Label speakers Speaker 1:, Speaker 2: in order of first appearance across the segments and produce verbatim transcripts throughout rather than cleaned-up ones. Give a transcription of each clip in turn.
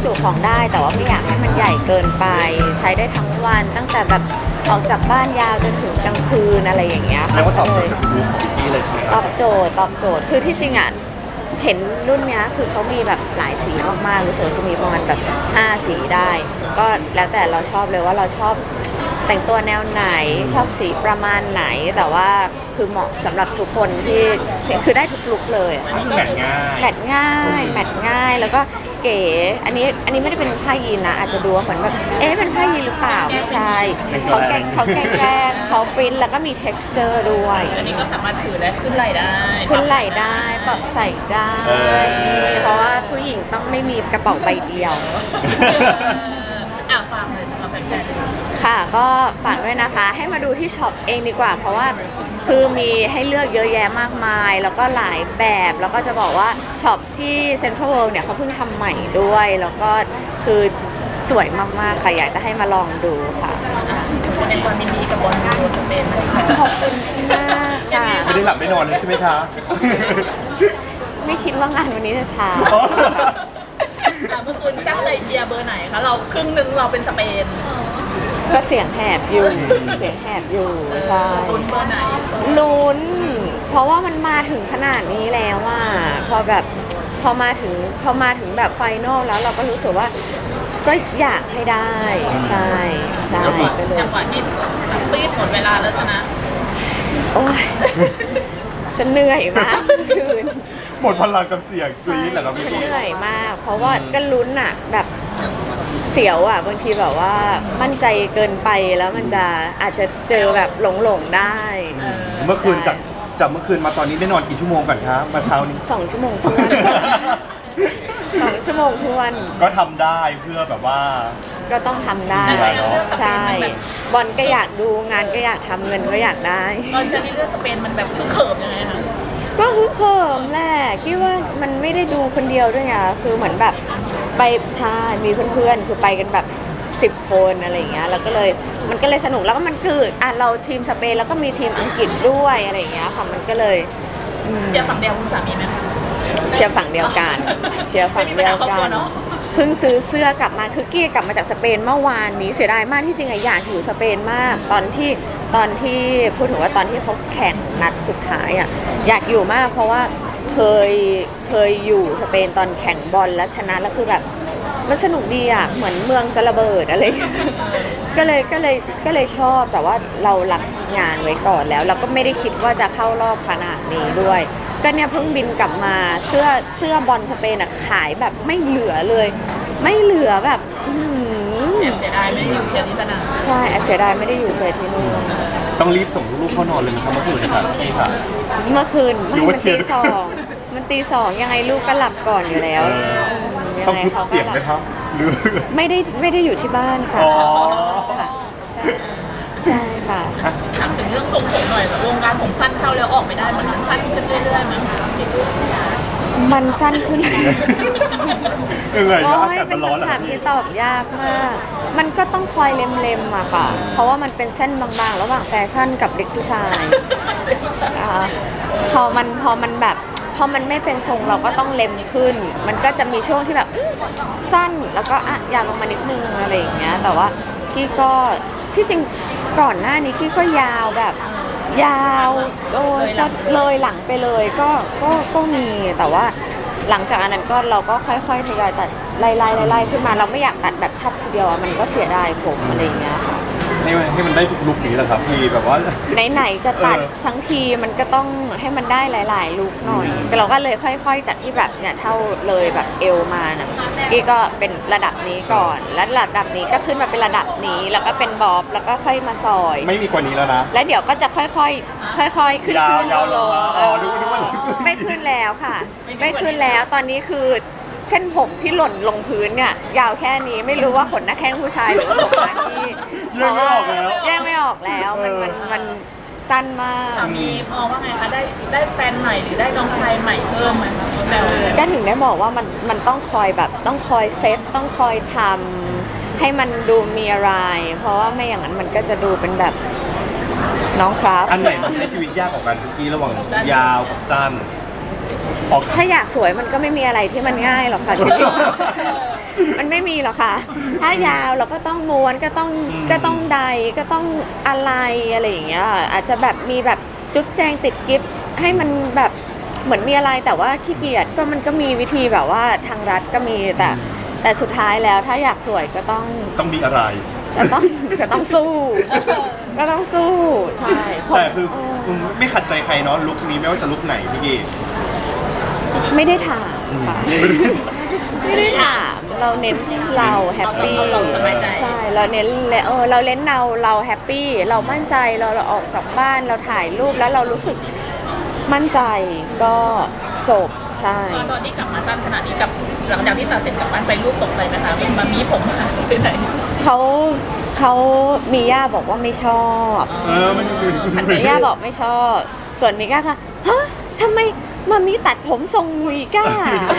Speaker 1: จุของได้แต่ว่าไม่อยากให้มันใหญ่เกินไปใช้ได้ทั้งวันตั้งแต่แบบออกจากบ้านยาวจนถึงกลางคืนอะไรอย่างเงี้ย
Speaker 2: แล้วก็ตอบโจทย์กับลุคของพี่เลยใช่ไหมค
Speaker 1: ต
Speaker 2: รั
Speaker 1: อบ บโจทย์ตอบโจทย์คือที่จริงอ่ะเห็นรุ่นเนี้ยคือเขามีแบบหลายสีมากๆรู้สึกว่าจะมีประมาณแบบห้าสีได้ ก็แล้วแต่เราชอบเลยว่าเราชอบแต่งตัวแนวไหนชอบสีประมาณไหนแต่ว่าคือเหมาะสำหรับทุกคนที่คือได้ทุกลุคเลยอะ
Speaker 2: ก็คือแมทง่าย
Speaker 1: แมทง่ายแมทง่ายแล้วก็เก๋อันนี้อันนี้ไม่ได้เป็นผ้ายีนนะอาจจะดูว่าเหมือนแบบเอ๊ะเป็นผ้ายีนหรือเปล่าไม่ใช่เขาแกงเขาแกงแกงเขาปริ้นแล้วก็มี texture ด้วย
Speaker 3: อันนี้ก็สามารถถือและขึ้นไหล่ได้
Speaker 1: ขึ้นไหล่ได้ปรับใส่ได้
Speaker 2: เออ
Speaker 1: เพราะว่าผู้หญิงต้องไม่มีกระเป๋าใบเดียว
Speaker 3: อ่ะฟังเลยสำหรับแฟนๆ
Speaker 1: ค่ะก็ฝากด้วยนะคะ ให้มาดูที่ช็อปเองดีกว่า เพราะว่าคือมีให้เลือกเยอะแยะมากมาย แล้วก็หลายแบบแล้วก็จะบอกว่าช็อปที่เซ็นทรัลเวิลด์เนี่ยเขาเพิ่งทำใหม่ด้วย แล้วก็คือสวยมากๆค่ะอยากจะให้มาลองดูค่ะ
Speaker 3: แสดงความยินดีกับบอลยูโรสเปนนะคะ
Speaker 1: ขอบคุณมากค่ะ
Speaker 2: ไม่ได้หลับไม่นอนเลยใช่ไหมคะ
Speaker 1: ไม่คิดว่างานวันนี้จะช้า
Speaker 3: อ่ะเมื่อคืนตั้งใจเชียร์เบอร์ไหนคะเราครึ่งหนึ่งเราเป็นสเปน
Speaker 1: ก็เสียงแหบอยู่ เสียงแหบอยู่ใช่
Speaker 3: ลุ้นเบอร์ไหน
Speaker 1: ลุ้น เพราะว่ามันมาถึงขนาดนี้แล้วอ่ะพอแบบพอมาถึงพอมาถึงแบบไฟนอลแล้วเราก็รู้สึกว่าก็อยากให้ได้ใช่ใช่
Speaker 3: จังหวะ
Speaker 1: ก็เลย
Speaker 3: จังหวะที่ปีดหมดเวลาแล้วชนะ
Speaker 1: โอ้ยฉันเหนื่อยมากคืน
Speaker 2: หมดพลังกับเสียงกรี๊ดเหรอครับพี่
Speaker 1: ฉันเหนื่อยมาก เพราะว่าก็ลุ้นอ่ะแบบเสียวอ่ะบางทีแบบว่ามั่นใจเกินไปแล้วมันจะอาจจะเจอแบบหลงหลงๆได้
Speaker 3: เออ
Speaker 2: เมื่อคืนจากจากเมื่อคืนมาตอนนี้ได้นอนกี่ชั่วโมงก่อนครับมาเช้านี้
Speaker 1: สองชั่วโมงทวนสองชั่วโมงทวน
Speaker 2: ก็ทำได้เพื่อแบบว่า
Speaker 1: ก็ต้องทำได้
Speaker 2: ใช่เนอะ
Speaker 1: ใช่บอลก็อยากดูงานก็อยากทำเงินก็อยากได้
Speaker 3: ตอนเชียร์ที่เลือกสเปนมันแบบคือเขิมยังไงคะ
Speaker 1: ก็ฮึกเหิมแหละคิดว่ามันไม่ได้ดูคนเดียวด้วยไงคือเหมือนแบบไปใช่มีเพื่อนๆคือไปกันแบบสิบคนอะไรอย่างเงี้ยแล้วก็เลยมันก็เลยสนุกแล้วก็มันคืออ่ะเราทีมสเปนแล้วก็มีทีมอังกฤษด้วยอะไรอย่างเงี้ยค่ะมันก็เลยอืม
Speaker 3: เชียร์ฝั่งเดียวคุณสามีไหมคะ
Speaker 1: เชียร์ฝั่งเดียวกันเชียร์ฝั่งเดียว
Speaker 3: ไม่มีปัญหาครอบ
Speaker 1: กั
Speaker 3: ครัวน เนอะ
Speaker 1: เพิ่งซื้อเสื้อกลับมาคือกี้กลับมาจากสเปนเมื่อวานนี้เสียดายมากที่จริงอะอยากอยู่สเปนมาก ตอนที่ตอนที่พูดถึงว่าตอนที่เขาแข่งนัดสุดท้ายอะอยากอยู่มาก เพราะว่าเคยเคยอยู่สเปนตอนแข่งบอลแล้วชนะแล้วคือแบบมันสนุกดีอะเหมือนเมืองจะระเบิดอะไรอย่างเงี้ยก็เลยก็เลยก็เลยชอบแต่ว่าเรารับงานไว้ก่อนแล้วเราก็ไม่ได้คิดว่าจะเข้ารอบขนาดนี้ด้วย ก็เนี่ยเพิ่งบินกลับมาเสื้อเสื้อบอลสเปนอะขายแบบไม่เหลือเลย ไม่เหลือแบบอื้อหือ
Speaker 3: แอบเสียดายไม่ได้อยู่เชียร์ที่สนาม
Speaker 1: ใช่แอบเสียดายไม่ได้อยู่เชียร์ที่นู่น
Speaker 2: ต้องรีบส่งลูกๆเข้านอนเลยนะครับเมื่อคืนนะครับพี่ค่ะ
Speaker 1: เมื่อคืนไม่
Speaker 2: หรือว่า
Speaker 1: มัน
Speaker 2: เชีย
Speaker 1: ตี
Speaker 2: ร์
Speaker 1: สองมันตีสองยังไงลูกก็หลับก่อนอยู่แล้ว
Speaker 2: เออ
Speaker 1: ยั
Speaker 2: ต้อง
Speaker 1: ไง
Speaker 2: พึบ
Speaker 1: เขาก็
Speaker 2: เสียง
Speaker 1: หลั
Speaker 2: ไหมครับหรือ
Speaker 1: ไม่ได้ไม่ได้อยู่ที่บ้านค่ะ
Speaker 2: อ๋อ
Speaker 1: ค่ะใช่ใช่ค่ะ
Speaker 3: ถามถึงเรื่องทรงผมหน่อยแบบวงการผมสั้นเข้าแล้วออกไม่ได้มันสั้นขึ้นเรื่อยๆมั้ง
Speaker 1: มันสั้นขึ้น
Speaker 2: ยังไง
Speaker 1: โอ้
Speaker 2: นะอาย กาศ
Speaker 1: เป็
Speaker 2: มัน นร้อนเหรอ
Speaker 1: คำ
Speaker 2: ค
Speaker 1: ถา
Speaker 2: รับ
Speaker 1: ม
Speaker 2: พี่
Speaker 1: ที่ตอบยากมาก มันก็ต้องคอยเล็มๆอะค่ะ เพราะว่ามันเป็นเส้นบางๆ ระหว่างแฟชั่นกับเด็กผู้ชายนะคะพอมันพอมันแบบพอมันไม่เป็นทรงเราก็ต้องเล็มขึ้น มันก็จะมีช่วงที่แบบอื้อสั้นแล้วก็อ่ะยาวลงมานิดนึงอะไรอย่างเงี้ย แต่ว่ากี้ก็ที่จริงก่อนหน้านี้กี้ก็ยาวแบบ ยาวโอ้ยจะเลยหลังไปเลยก็ก็ก็มีแต่ว่าหลังจากอันนั้นก็เราก็ค่อยๆทยอยตัดไล่ๆไล่ๆขึ้นมาเราไม่อยากตัดแบบชับทีเดียวอะมันก็เสียดายผมอะไรอย่างเงี้ยค่ะ
Speaker 2: ให้มันให้มันได้ทุกลุคนี้แหละครับพี่แบบว่า
Speaker 1: ไหนๆจะตัด
Speaker 2: เออ
Speaker 1: ทั้งทีมันก็ต้องให้มันได้หลายๆลุคหน่อยแต่เราก็เลยค่อยๆจากที่แบบเนี่ยเท่าเลยแบบเอวมาน่ะกี้ก็เป็นระดับนี้ก่อน แล้วระดับนี้ก็ขึ้นมาเป็นระดับนี้แล้วก็เป็นบอบแล้วก็ค่อยมาซอย
Speaker 2: ไม่มีกว่านี้แล้วนะ
Speaker 1: แล้วเดี๋ยวก็จะค่อยๆ ค่อยๆ ขึ้น
Speaker 2: ยาว
Speaker 1: ขึ้น
Speaker 2: ยาวลง
Speaker 1: เอ
Speaker 2: อ๋อ
Speaker 1: อ
Speaker 2: นึกว่านึกว่าจะขึ้น
Speaker 1: ไม่ขึ้นแล้วค่ะ ไม่ขึ้นแล้ว ตอนนี้คือเส้นผมที่หล่นลงพื้นเนี่ย ยาวแค่นี้ไม่รู้ว่าขนหน้าแข้งผู้ชายหรือว่าขนหน้าที่
Speaker 2: แยกไม่ออกแล้ว
Speaker 1: แยกไม่ออกแล้ว มันมันมันสั้นมาก
Speaker 3: สามีมองว่าไงคะได้ได้แฟนใหม่หรือได้น้องชายใหม่เพิ่มไหมคะแซวเลย
Speaker 1: ก็ถึงได้บอกว่ามันมันต้องคอยแบบต้องคอยเซตต้องคอยทำให้มันดูมีอะไร เพราะว่าไม่อย่างนั้นมันก็จะดูเป็นแบบน้องครับ
Speaker 2: อันไหนมันใช้ชีวิตยากกว่ากันทุกกี้ระหว่างยาวกับสั้นออก
Speaker 1: ถ้าอยากสวยมันก็ไม่มีอะไรที่มันง่ายหรอกค่ะชีวิต มันไม่มีหรอกค่ะ ถ้ายาวเราก็ต้องม้วนก็ต้องก็ต้องใดก็ต้องอะไรอะไรอย่างเงี้ยอาจจะแบบมีแบบจุ๊บแจงติดกิฟต์ให้มันแบบเหมือนมีอะไรแต่ว่าขี้เกียจก็มันก็มีวิธีแบบว่าทางรัฐก็มีแต่แต่สุดท้ายแล้วถ้าอยากสวยก็ต้อง
Speaker 2: ต้องมีอะไร
Speaker 1: ก็ต้องก็ต้องสู้ ก็ต้องสู้ใช่ผม
Speaker 2: แต่คือ
Speaker 1: เออ
Speaker 2: คุณไม่ขัดใจใครเนาะลุคนี้ไม่ว่าจะลุคไหนพี่กี้
Speaker 1: ไม่ได้ถามค่ะไม่ได้ถามเราเน้นเราแฮปปี้
Speaker 3: เราสบายใจ
Speaker 1: ใช่เราเน้นเออเราเน้นเราเราแฮปปี้เรามั่นใจเราเราออกจากบ้านเราถ่ายรูปแล้วเรารู้สึกมั่นใจก็จบใช่
Speaker 3: ตอนที่กลับมาสั้นขนาดนี้กับหลังจากที่ตัดเสร็จกลับบ้านไปรูปตกใจไหมคะเป็นมามีผมหายไปไหน
Speaker 1: เขาเขามีย่าบอกว่าไม่ชอบ
Speaker 2: เออมันจริง
Speaker 1: มีย่าบอกไม่ชอบ ส่วนมิก้าค่ะฮะทำไมมามีตัดผมทรงมิก้า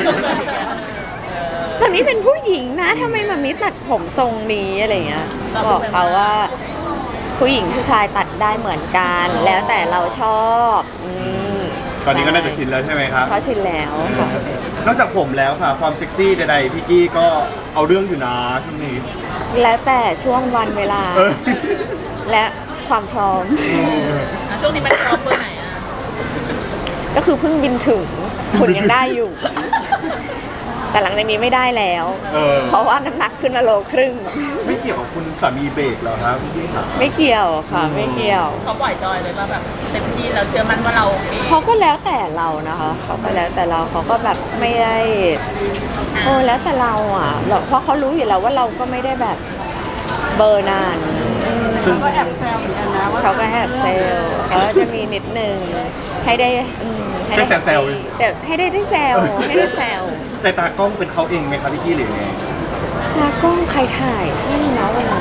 Speaker 1: มามีเป็นผู้หญิงนะทำไมมามีตัดผมทรงนี้อะไรเงี้ยบอกเขาว่า ผู้หญิงผู้ชายตัดได้เหมือนกัน แล้วแต่เราชอบอืม
Speaker 2: ตอนนี้ก็น่าจะชินแล้วใช่ไหมครับ
Speaker 1: เขาชินแล้วค่ะ
Speaker 2: นอกจากผมแล้วค่ะ ความเซ็กซี่ใดๆพี่กี้ก็เอาเรื่องอยู่นะช่วงนี้
Speaker 1: แล้วแต่ช่วงวันเวลา
Speaker 2: เออ
Speaker 1: และความพร้อม
Speaker 3: อ่ะช่วงนี้มันพร้อมเบอร์ไหนอ่ะ
Speaker 1: ก็คือเพิ่งบินถึงคุณยังได้อยู่ แต่หลังจากนี้ไม่ได้แล้ว
Speaker 2: เออ
Speaker 1: เพราะว่าน้ำหนักขึ้นมาโลครึ่ง
Speaker 2: ไม่เกี่ยวกับคุณสามีเบรกเหรอครับพี่กี้ค่ะ
Speaker 1: ไม่เกี่ยวค่ะ ไม่เกี่ยว
Speaker 3: เขาปล่อยจอยเลยว่าแบบเต็มที่เราเชื่อมั่นว่าเราโอเค
Speaker 1: เขาก็แล้วแต่เรานะคะเขาก็แล้วแต่เราเขาก็แบบไม่ได้โอ้แล้วแต่เราอ่ะเราเพราะเขารู้อยู่แล้วว่าเราก็ไม่ได้แบบเบอร์นาน
Speaker 2: ซึ่ง
Speaker 4: ก็แอบแซวเหมือนกันนะว่า
Speaker 1: เขาก็แอบเซลล์เขาจะมีนิดนึงให้ได้อืมให้
Speaker 2: ได้แซว
Speaker 1: แต่ให้ได้ได้แซวให้ได้แซว
Speaker 2: ๆแต่ตากล้องเป็นเขาเองไหมครับพี่กี้หรือไง
Speaker 1: ตากล้องใครถ่ายไม่รู้นะวันนั้น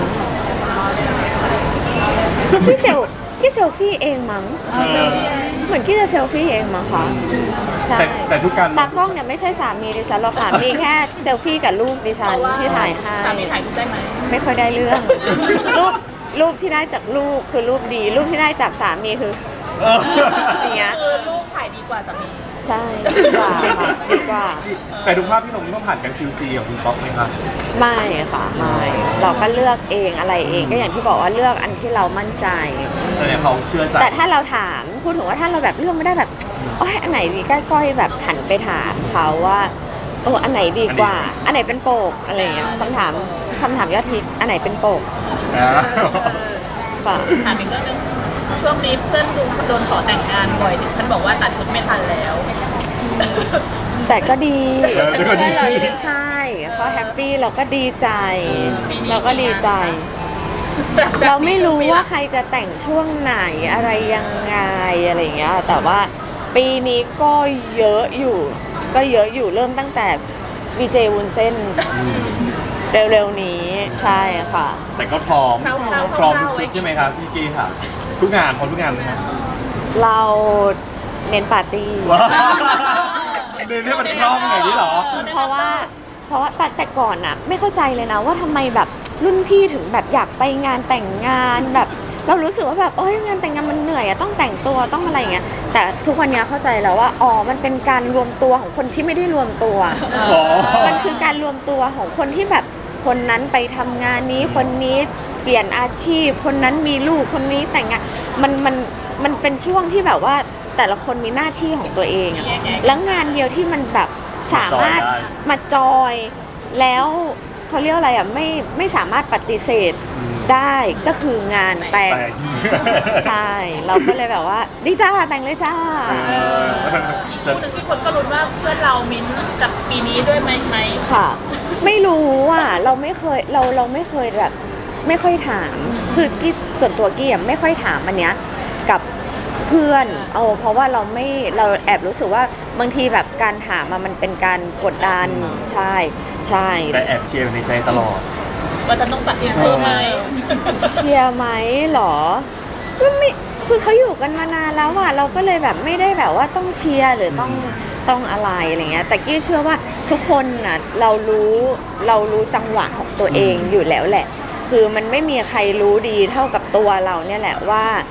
Speaker 1: พี่เซลพี่เซลฟี่เองมั้ง
Speaker 2: เออ
Speaker 1: เหมือนกี้จะเซลฟี่เองมั้งคะใช่
Speaker 2: แต่แต่ทุกการ
Speaker 1: ตากล้องเนี่ยไม่ใช่สามีดิฉันหรอกค่ะ มีแค่เซลฟี่กับลูกดิฉันที่ถ่ายให้
Speaker 3: สามีถ่ายรูปได้ไหม
Speaker 1: ไม่ค่อยได้เรื่อง รูปรูปที่ได้จากลูกคือรูปดี รูปที่ได้จากสามีคือ
Speaker 2: เออ
Speaker 1: อย่างเงี้ย
Speaker 3: คือรูปถ่ายดีกว่าสามี
Speaker 1: ใช่ดีกว่าค่ะดีกว่า
Speaker 2: แต่ดูภาพพี่ลงต้องผ่านการ คิว ซี ของคุณป๊อกไหมครับ
Speaker 1: ไม่ค่ะไม่เราก็เลือกเองอะไรเองก็อย่างที่บอกว่าเลือกอันที่เรามั่นใจ
Speaker 2: แสดงเขาเชื่อใจ
Speaker 1: แต่ถ้าเราถามพูดถึงว่าถ้าเราแบบเลือกไม่ได้แบบโอ้ยอันไหนดีใกล้ๆแบบหันไปถามเขาว่าเอออันไหนดีกว่า อันไหนเป็นโปกอะไรอย่างเงี้ยคำถามคำถามยอดฮิตอันไหนเป็นโปก
Speaker 2: อ่า
Speaker 1: ป่ะ
Speaker 3: ถามอีกเรื่องหนึงช่วงนี้เพื่อนดูโดนขอแต่งงานบ่อยถึงท่านบอกว่าตัดชุดไม่ทันแล้ว
Speaker 1: แต่ก็ดี
Speaker 2: เออแต่ก็ดี
Speaker 1: ใช่เขาแฮปปี้เราก็ดีใจ
Speaker 3: ปีนี้
Speaker 1: เราก็ดีใจ เราไม่รู้ว่าใครจะแต่งช่วงไหนอะไรยังไงอะไรอย่างเงี้ยแต่ว่าปีนี้ก็เยอะอยู่ ก็เยอะอยู่เริ่มตั้งแต่วีเจวุ้นเส้นเร็วๆนี้ใช่ค่ะ
Speaker 2: แต่ก็พร้อม
Speaker 3: คร่าวๆ
Speaker 2: พร้อมทุก
Speaker 3: คร่าวๆ
Speaker 2: ชุดใช่ไหมครับพี่กี้ค่ะ ทุกงานพร้อมทุกงานไหมครับ
Speaker 1: เราเน้นปาร์ตี้
Speaker 2: ว้าวเดินให้มันคล่องอย่างนี้เหรอ
Speaker 1: เพราะว่าเพราะว่าแต่แต่ก่อนอะไม่เข้าใจเลยนะว่าทำไมแบบรุ่นพี่ถึงแบบอยากไปงานแต่งงานแบบ เรารู้สึกว่าแบบโอ้ยงานแต่งงานมันเหนื่อยอะต้องแต่งตัวต้องอะไรอย่างเงี้ยแต่ทุกวันนี้เข้าใจแล้วว่าอ๋อมันเป็นการรวมตัวของคนที่ไม่ได้รวมตัว
Speaker 2: อ๋อ
Speaker 1: มันคือการรวมตัวของคนที่แบบคนนั้นไปทำงานนี้คนนี้เปลี่ยนอาชีพ คนนั้นมีลูกคนนี้แต่งงานมันมันมันเป็นช่วงที่แบบว่าแต่ละคนมีหน้าที่ของตัวเองอะแล้วงานเดียวที่มันแบบสามารถมาจอยแล้วเขาเรียกอะไรอ่ะไม่ไม่สามารถปฏิเสธได้ก็คืองานแต่ง
Speaker 2: แต่ง
Speaker 1: ใช่เราก็เลยแบบว่าดีจ้าแต่งเลยจ้า
Speaker 2: เออ
Speaker 3: อีก
Speaker 2: จะ
Speaker 3: คู่หนึ่งที่คนก็รุ้นว่าเพื่อนเรามิ้นท์กับปีนี้ด้วยไหมไหม
Speaker 1: ค่ะ ไม่รู้อ่ะเราไม่เคยเราเราไม่เคยแบบไม่ค่อยถามคือกี้ส่วนตัวกี้อ่ะไม่ค่อยถามอันเนี้ยกับเพื่อนเอาเพราะว่าเราไม่เราแอบรู้สึกว่าบางทีแบบการถามอะมันเป็นการกดดันใช่ใช่
Speaker 2: แต่แอบเชียร์ในใจตลอด
Speaker 3: ว่าจะต้องตัดสินเพิ่มไหม
Speaker 1: เชียร์ไหมหรอก็ไม่คือเขาอยู่กันมานานแล้วอ่ะเราก็เลยแบบไม่ได้แบบว่าต้องเชียร์หรือต้องต้องอะไรอะไรเงี้ยแต่กี้เชื่อว่าทุกคนน่ะเรารู้เรารู้จังหวะของตัวเองอยู่แล้วแหละ คือมันไม่มีใครรู้ดีเท่ากับตัวเราเนี่ยแหละว่า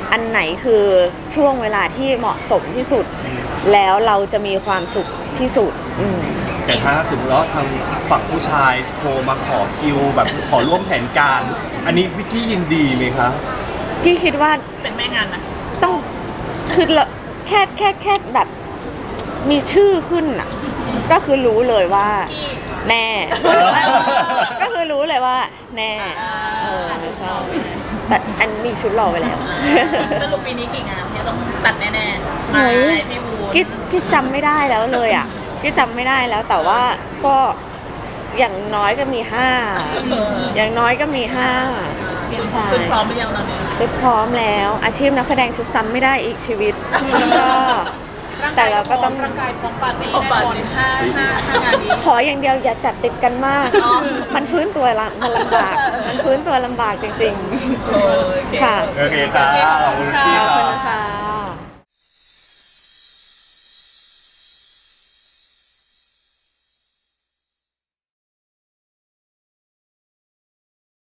Speaker 1: อันไหนคือช่วงเวลาที่เหมาะสมที่สุด แล้วเราจะมีความสุขที่สุดอืม
Speaker 2: แต่ถ้าสมมติว่าทางฝั่งผู้ชายโทรมาขอคิวแบบขอร่วมแผนการ อันนี้วิกกี้ยินดีไหมคะ
Speaker 1: พี่คิดว่า
Speaker 3: เป็นแม่งานนะ
Speaker 1: ต้องคือละแค่แค่แค่แบบมีชื่อขึ้นอ่ะ ก็คือรู้เลยว่า
Speaker 3: ที่
Speaker 1: แน่ ก็คือรู้เลยว่าแน่
Speaker 3: อ่า
Speaker 1: เออใช่แต่อันมีชุดรอไว้แล้ว
Speaker 3: สรุปปีนี้กี่งานที่ต้องตัดแน่ๆ
Speaker 1: เฮ้
Speaker 3: มาย พี่วูน
Speaker 1: พี่พี่จำไม่ได้แล้วเลยอ่ะพี่จำไม่ได้แล้วแต่ว่าก็อย่างน้อยก็มีห้าอย่างน้อยก็มีห้า
Speaker 3: ชุด
Speaker 1: ใช่
Speaker 3: ชุดพร้อมหรือยังตอนนี้
Speaker 1: ชุดพร้อมแล้ว อาชีพนักแสดงชุดซ้ำไม่ได้อีกชีวิตก็แต่เราก็ต้อง
Speaker 4: ร่างกายพร้อมปาร์ตี้แน่นอนห้าห้าห้างานนี้
Speaker 1: ขออย่างเดียวอย่าจัดติดกันมาก
Speaker 3: อ๋อ
Speaker 1: มันฟื้นตัวละมันลำบาก มันฟื้นตัวลำบากจริง
Speaker 3: โอเค
Speaker 1: ค่ะ
Speaker 2: โอเคค่ะขอบคุณพี่
Speaker 1: ๆขอบ
Speaker 2: ค่ะ
Speaker 1: คุณนะคะ